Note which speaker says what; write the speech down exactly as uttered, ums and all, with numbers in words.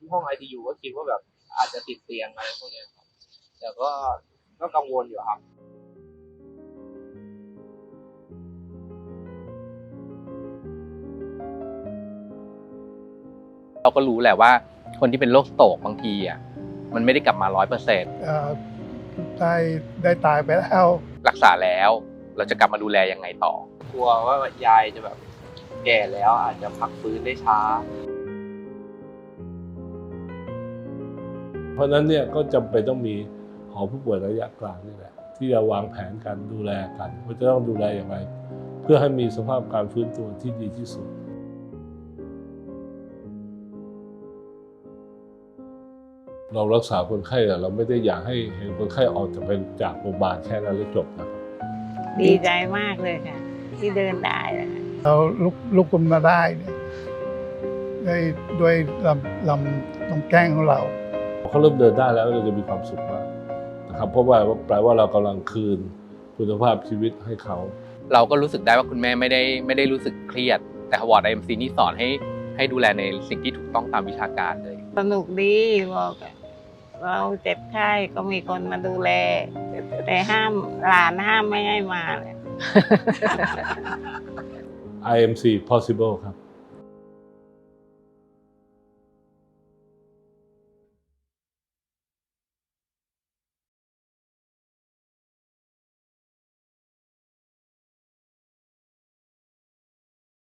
Speaker 1: ห้อง ไอ ซี ยู ก็คิดว่าแบบอาจจะติดเตียงอะไรพวกนี้ครับแต่ก็ก็กังวลอยู่ครับ
Speaker 2: เราก็รู้แหละว่าคนที่เป็นโรคสโตรกบางทีอ่ะมันไม่ได้กลับมาร้อยเปอร์เซ็นต์
Speaker 3: ได้ได้ตายไปแล้ว
Speaker 2: รักษาแล้วเราจะกลับมาดูแลยังไงต่อก
Speaker 1: ลัวว่ายายจะแบบแก่แล้วอาจจะพักฟื้นได้ช้า
Speaker 4: เพราะฉะนั้นเนี่ยก็จำเป็นต้องมีหอผู้ป่วยระยะกลางนี่แหละที่จะวางแผนการดูแลกันว่าจะต้องดูแลอย่างไรเพื่อให้มีสภาพการฟื้นตัวที่ดีที่สุดเรารักษาคนไข้แต่เราไม่ได้อยากให้เห็นคนไข้ออกจากเป็นจากโรงพยาบาลแค่นั้นแล้วจบนะครับ
Speaker 5: ดีใจมากเลยค่ะที่เดินได้นะคะ
Speaker 3: เราลุกลุกขึ้นมาได้เนี่ยด้วยด้วยลำลำลำแกล้งของเรา
Speaker 4: เขาเริ่มเดินได้แล้วเราจะมีความสุขมากนะครับเพราะว่าแปลว่าเรากำลังคืนคุณภาพชีวิตให้เขา
Speaker 2: เราก็รู้สึกได้ว่าคุณแม่ไม่ได้ไม่ได้รู้สึกเครียดแต่วอร์ด ไอ เอ็ม ซี นี่สอนให้ให้ดูแลในสิ่งที่ถูกต้องตามวิชาการเลย
Speaker 5: สนุกดีบอกเราเจ็บไข้ก็มีคนมาดูแลแต่ห้ามหลานห้ามไม่ให้มาเลย
Speaker 4: ไอ เอ็ม ซี possible ครับ